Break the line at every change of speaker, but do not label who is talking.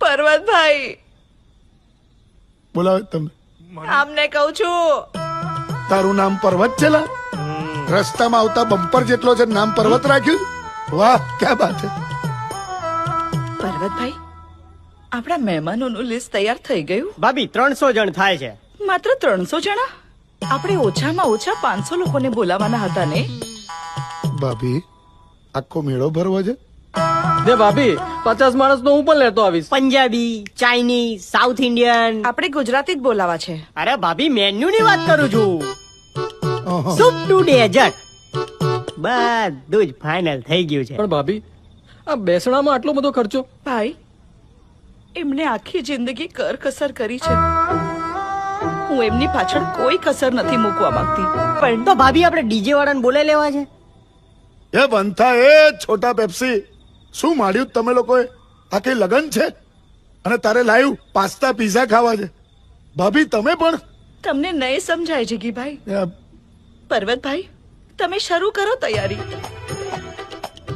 પર્વતભાઈ
બોલાવે તમે.
આમને કહું છું.
તારું નામ પર્વત છે લા? રસ્તામાં આવતા બમ્પર જેટલો છે નામ પર્વત રાખ્યું. વાહ ક્યાં બાત છે.
પર્વતભાઈ આપણા મહેમાનોનું લિસ્ટ તૈયાર થઈ ગયું.
ભાભી 300 જણ થાય છે.
માત્ર 300 જણા? આપણે ઓછામાં ઓછા 500 લોકોને બોલાવવાના હતા ને.
ભાભી આખો મેળો ભરવો છે.
દે ભાભી 50 માણસ નો હું પણ લેતો આવીશ.
Punjabi, Chinese, south Indian.
આપણે ગુજરાતી જ બોલાવા છે.
અરે ભાભી મેન્યુ ની વાત કરું છું.
અહં.
સૂપ ટુ ડેઝર્ટ બધું જ ફાઇનલ થઈ ગયું છે.
પણ ભાભી આ બેસણામાં આટલો બધો ખર્ચો.
ભાઈ એમને આખી જિંદગી કરકસર કરી છે. હું એમની પાછળ કોઈ કસર નથી મૂકવા માંગતી, પણ
તો ભાભી આપણે ડીજે વાળાને બોલાવી લેવા છે.
એ બનતા એ છોટા પેપ્સી શું માંડ્યું તમે લોકોએ? આ કઈ લગન છે અને તારે લાવ્યું પાસ્તા પીઝા ખાવા છે? ભાભી તમે પણ
તમને નહીં સમજાય જીગીભાઈ.
એ,
પર્વતભાઈ તમે શરૂ કરો તૈયારી.